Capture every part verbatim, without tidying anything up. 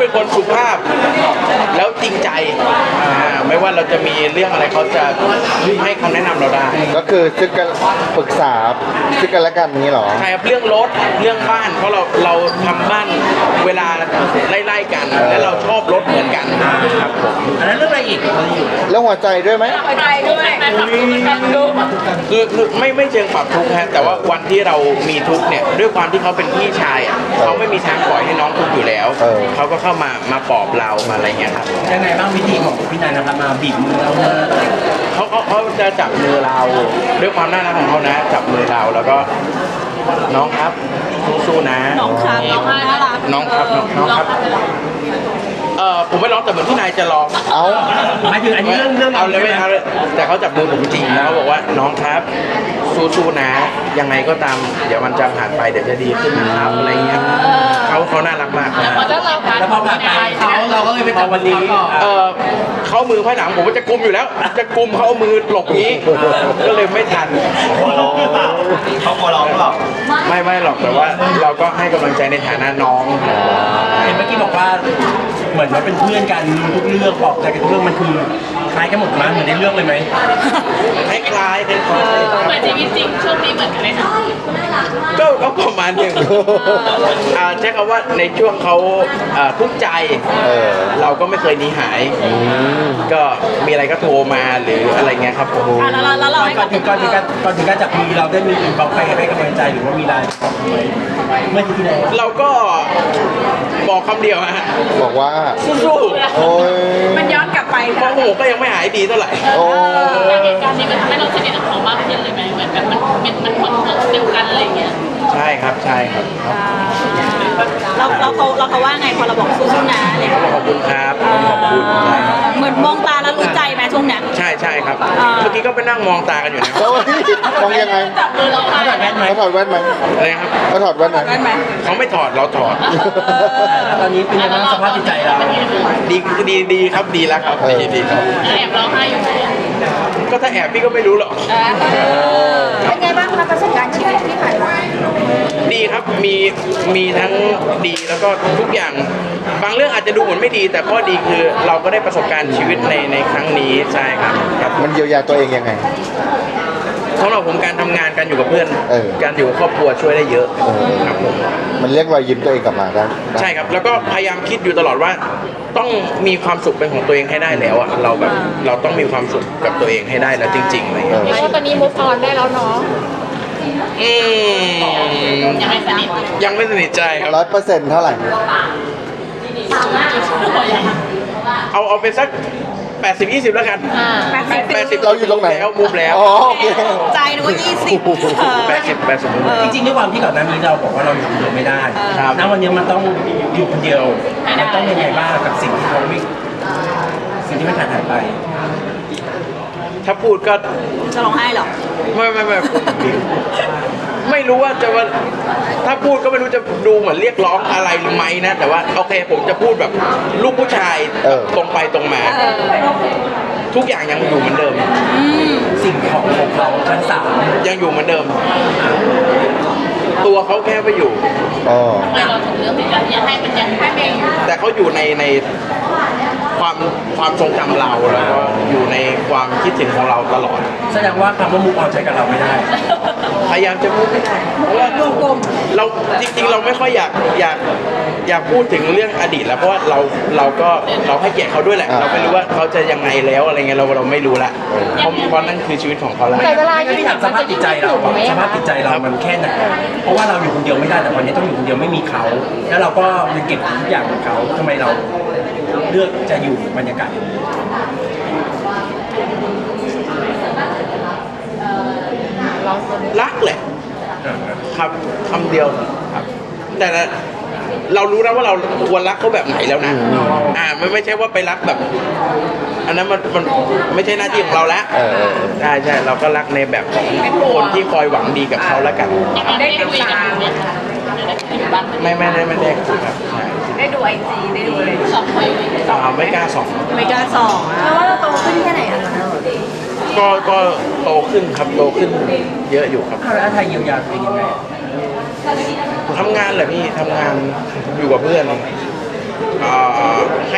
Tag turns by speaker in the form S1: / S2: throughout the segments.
S1: เป็นคนสุภาพแล้วจริงใจอ่าไม่ว่าเราจะมีเรื่องอะไรเขาจะให้คำแนะนำเราได้
S2: ก็คือซึ่งกันปรึกษาซึ่งกันและกันนี้เหรอ
S1: ใช่ครับเรื่องรถเรื่องบ้านเพราะเราเราทำบ้านเวลาไล่ๆกันและเราชอบรถเหมือนกันครับผม
S3: อันนั้นเรื่องอะไรอีก
S2: แล้วหัวใจด้วยไหม
S4: หัวใจด้วย
S1: คือคือไม่ไม่เชิงปรับทุกข์ฮะแต่ว่าวันที่เรามีทุกข์เนี่ยด้วยความที่เขาเป็นพี่ชายอ่ะเขาไม่มีทางปล่อยให้น้องทุกข์อยู่แล้วเขาก็เข้ามามาปลอบเรามาอะไรเงี้ยครับ
S3: ยังไงบ้างวิธีของพี่นายนะครับมาบีบมือเรา
S1: เขาเขาเขาจะจับมือเราด้วยความน่ารักของเขานะจับมือเราแล้วก็น้องครับสู้ๆนะ
S4: น้องครับน้องน่ารัก
S1: น้องครับน้องครับเออผมไม่ร้องแต่เหมือนที่นายจะร้อง
S2: เอา
S3: หมายถึงอันนี้เรื่องเรื่อง
S1: เอาเลยไม่เอาเลยแต่เขาจับมือผมจริงแล้วเขาบอกว่าน้องครับสู้ๆนะยังไงก็ตามเดี๋ยวมันจะผ่านไปเดี๋ยวจะดีขึ้นนะครับอะไรเงี้ยเขาเขาน่ารักมากนะ
S3: แล้วพอผ่านไปเขาเราก็เลยไปจับวันนี้
S1: เออเขามือภายหลังผมก็จะกุมอยู่แล้วจะกุมเขาเอามือหลบนี้ก็เลยไม่ทัน
S3: เขากลัวร้องหรือเปล่า
S1: ไม่ไม่หรอกแต่ว่าเราก็ให้กำลังใจในฐานะน้อง
S3: เห็นเมื่อกี้บอกว่าเหมือนว่าเป็นเพื่อนกันรู้ทุกเรื่องบอกใจกันทุกเรื่องมันคือคล้ายกันหมดมั้ยเหมือนในเรื่องเลยไหม
S1: คล้ายคล้ายคล้าย
S4: เหมือนชีวิตจริงช่วงนี้เหมือนกันไหมคะ
S1: ก็ก็ประมาณหนึ่งใช้คำว่าในช่วงเขาทุกข์ใจเราก็ไม่เคยหนีหายก็มีอะไรก็โทรมาหรืออะไรเงี้ยครับผม
S3: ก่อนถึงก่อนถึงการก่อนถึงการจับมือเราได้มีบอกใครให้กำลังใจหรือว่ามีไลน์บอกไหมเมื่อที่ไหน
S1: เราก็บอกคำเดียวฮะ
S2: บอกว่า
S1: สู้ๆ
S2: โอ้ย
S4: มันย้อนกลับไป
S1: เพราะโหก็ยังไม่หายดีเท่าไหร่
S4: โอ้เหตุการณ์นี้มันทำให้เราสนิทกับเขามากขึ้นเลยไหมเหมือนแบบมันมันมันคนเดียวกันอะไรเงี้ย
S1: ใช่ครับใช่ครับ
S4: เราเราเขาเราเขาว่าไงพอเราบอกสู้ๆนะอะไร
S1: ขอบคุณครับขอบคุณ
S4: เหมือนมองตาแล้วรู้ใจไหมช่วงนี้
S1: ใช่ใช่ครับเมื่อกี้ก็ไปนั่งมองตากันอยู่นะ
S2: มองยังไง
S4: เขาถอดแว่นไหม
S2: เขาถอดแว่นไหม
S1: อะไรครับ
S2: เขาถอดแว่นไหม
S1: เขาไม่ถอดเราถอด
S3: ตอนนี้เป็นยังไงสภาพจิตใจเรา
S1: ดีดีดีครับดีแล้วครับดีดีครับ
S4: แอบร้องไห้อยู่
S1: ก็ถ้าแอบพี่ก็ไม่รู้หรอก
S4: เป็นไงบ้างคะประสบการณ์ชีวิตที่ผ่านมา
S1: ดีครับมีมีทั้งดีแล้วก็ทุกอย่างบางเรื่องอาจจะดูเหมือนไม่ดีแต่ข้อดีคือเราก็ได้ประสบการณ์ชีวิตในในครั้งนี้ใช่ครับ
S2: มันเยียวยาตัวเองยังไง
S1: สำหรับผมการทำงานการอยู่กับเพื่อนการอยู่กับครอบครัวช่วยได้เยอะครับผม
S2: มันเรียกรอยยิ้มตัวเองกลับมาได้
S1: ใช่ครับแล้วก็พยายามคิดอยู่ตลอดว่าต้องมีความสุขเป็นของตัวเองให้ได้แล้วอ่ะเราแบบเราต้องมีความสุขกับตัวเองให้ได้แล้วจริงๆอะไรอย่างเงี้ย
S4: เพราะตอนนี้มูฟออนได้แล้วเนาะ
S1: อืม
S4: ยังไม่สนิท
S1: ยังไม่สนิทใจครับ
S2: ร้อยเปอร์เซ็นต์เท่าไหร่
S1: เอาเอาเป็นสักแปดสิบ ยี่สิบแล้วกันแปดสิบ
S2: เราอยู่ตรงไหน
S1: แล้วมุมแล้ว
S4: ใจนึกว่ายี่สิบ
S1: แปดสิบแปดสิบ
S3: จริงๆด้วยความที่ก่อนหน้านี้เราบอกว่าเราอยู่คนเดียวไม่ได้ณวันนี้มันต้องอยู่คนเดียวมันต้องยังไงบ้างกับสิ่งที่เขาไม่สิ่งที่ไม่ขาดหายไป
S1: ถ้าพูดก็
S4: จะร้องไห้หรอ
S1: ไม่ไม่ไม่ไม่รู้ว่าจะว่าถ้าพูดก็ไม่รู้จะดูเหมือนเรียกร้องอะไรหรือไม่นะแต่ว่าโอเคผมจะพูดแบบลูกผู้ชายตรงไปตรงมาทุกอย่างยังอยู่เหมือนเดิม
S3: สิ่งของของเขาทั้งสาม
S1: ยังอยู่เหมือนเดิมตัวเขาแค่ไปอยู่
S4: เราถึงเรื่องที่จะให้มันยังให้ไม่อยู่
S1: แต่เขาอยู่ในในความความทรงจำเราแล้วก็อยู่ในความคิดถึงของเราตลอด
S3: แสดงว่าคำว่ามุกออนใช้กับเราไม่ได้
S1: พยายามจะพูดไม่ได้เพราะว่าเราจริงๆเราไม่ค่อยอยากอยากอยากพูดถึงเรื่องอดีตแล้วเพราะว่าเราเราก็เราให้เกียรติเขาด้วยแหละเราไม่รู้ว่าเขาจะยังไงแล้วอะไรเงี้ยเราเราไม่รู้ละเพราะเพราะนั่นคือชีวิตของเขาแล้ว
S4: แต่เวลา
S3: ที่ถามสภาพจิตใจเราสภาพจิตใจเรามันแค่ไหนเพราะว่าเราอยู่คนเดียวไม่ได้แต่วันนี้ต้องอยู่คนเดียวไม่มีเขาแล้วเราก็ยังเก็บทุกอย่างของเขาทำไมเราเลือกจะอยู่บรรยากาศ
S1: รักแหละครับคำเดียวครับแต่เรารู้นะว่าเราควรรักเขาแบบไหนแล้วนะอ่าไม่ไม่ใช่ว่าไปรักแบบอันนั้นมันมันไม่ใช่หน้าที่ของเราแล้วใช่ใช่เราก็รักในแบบของคนที่คอยหวังดีกับเขาแล้วกัน
S4: ได้คุยกัน
S1: ไม่ไม่ได้ไม่ได้คุยครับ
S4: ได้ดูไอจีได้ดูเลยสองคน
S1: สองไม่กล้าสอง
S4: ไม่กล้าสองเพราะว่าเราโตขึ้นแค่ไหนอะ
S1: ก็ก็โตขึ้นครับโตขึ้นเยอะอยู่ครับ
S3: แล้วไทยเยียวยาตัวเองยังไง
S1: ทำงานแหละพี่ทำงานอยู่กับเพื่อน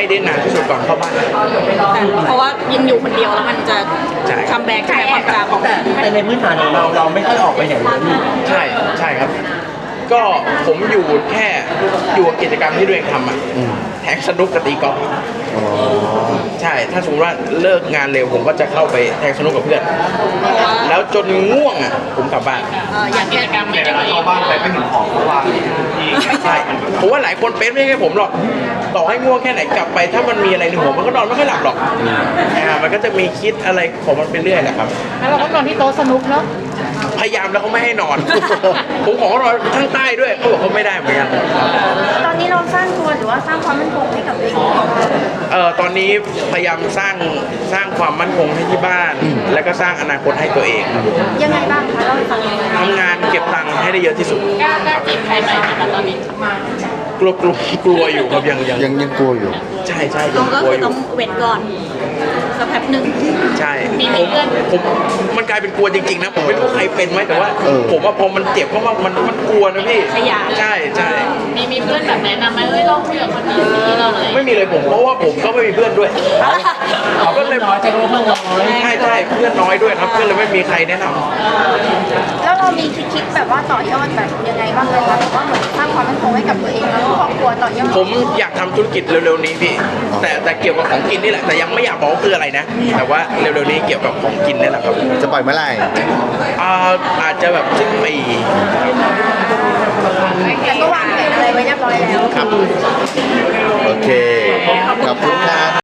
S1: ได้นานที่สุดก่อนเข้าบ้าน
S4: เพราะว่ายังอยู่คนเดียวแล้วมันจะ
S1: ใช่
S4: คัมแบ็กใช่ไหมความจำของ
S3: แต่แต่ในพื้นฐานของเราเราไม่ค่อยออกไปไหนเลยนี่
S1: ใช่ใช่ครับ ก็ผมอยู่แค่อยู่กับกิจกรรมที่ตัวเองทำอ่ะแทงสนุกกับตีกอล์ฟ
S2: อ๋อ
S1: ใช่ ถ้าสมมติว่าเลิกงานเร็วผมก็จะเข้าไปแทงสนุกกับเพื่อน แล้วจนง่วงอ่ะผมกลับบ้าน
S4: เอ่ออย่างกิจกรรมไม่ได้
S5: เข้าบ้านไปไม่เห็นของเขาวางที่
S1: ใช่ผมว่าหลายคนเป็นไม่ใช่แค่ผมหรอก ต่อให้ง่วงแค่ไหนกลับไป ถ้ามันมีอะไรในหัวมันก็นอนไม่ค่อยหลับหรอกอ่ามันก็จะมีคิดอะไรของมันไปเรื่อยแหละครับ
S4: แล้วเราก็นอนที่โต๊ะสนุกเนาะ
S1: พยายามแล้วเขาไม่ให้นอน ผมขอเขานอนข้างใต้ด้วยเขาบอกเขาไม่ได้เหมือนกัน
S6: ตอนนี้เราสร้างตัวหรือว่าสร้างความมั่นคงให้กับตัวเองยังไงคะ
S1: เอ่อตอนนี้พยายามสร้างสร้างความมั่นคงให้ที่บ้าน แล้วก็สร้างอนาคตให้ตัวเองครับ
S6: ยังไงบ้างคะเล่าให้ฟังหน่อย
S1: ทำงานเก็บตังค์ให้ได้เยอะที่สุด
S4: กล้ากล้าจีบใครไหมคะตอนนี้
S1: กลัวกลัวกลัวอยู่ครับยังยัง
S2: ยังยังกลัวอยู่
S1: ใช่ใช่
S4: ต้
S1: ยั
S4: อง
S1: ง
S4: ก็
S1: กลัว
S4: คือ
S1: อยู่
S4: ต้องเว้นก่อนสักแป๊บหนึ่ง
S1: ใช่
S4: มี
S1: ผ
S4: มี
S1: ม
S4: เพื่อน
S1: ผมมันกลายเป็นกลัวจริงๆนะผมไม่รู้ใครเป็นไหมแต่ว่า
S2: เออ
S1: ผมว่าพอมันเจ็บเพราะว่ามันมันกลัวนะพี่
S4: ขยะ
S1: ใช่ใช่
S4: มีมีเพื่อนแบบแนะนำไหมเฮ้ยลองคุยกับคนนี้สิเราเลย
S1: ไม่มีเลยผมเพราะว่าผมก็ไม่มีเพื่อนด้วย
S3: เขาก็เลยน้อยใจว่าเพื่อนน้อย
S1: ใช่ใช่เพื่อนน้อยด้วยครับเพื่อนเลยไม่มีใครแนะนำ
S6: แล้วเรามีคิดๆแบบว่าต่อยอดแบบยังไงบ้างไหมคะแบบว่าเหมือนสร้างความมั่นคงให้กับตัวเองแล้วก็ครอบครัวต่อยอด
S1: ผมอยากทำธุรกิจเร็วๆนี้พี่ แต่แต่เกี่ยวกับของกินนี่แหละ แต่ยังไม่อยากบอกว่าคืออะไรนะ แต่ว่าเร็วๆนี้เกี่ยวกับของกินนี่แหละครับ
S2: จะปล่อยเมื่อไหร่
S1: อ่าอาจจะแบบสิ้นปี
S6: แต่ก็วางแผนอะไรไว้เรียบร้อยแล้ว
S1: ครับ
S2: โอเค ขอบคุณครับ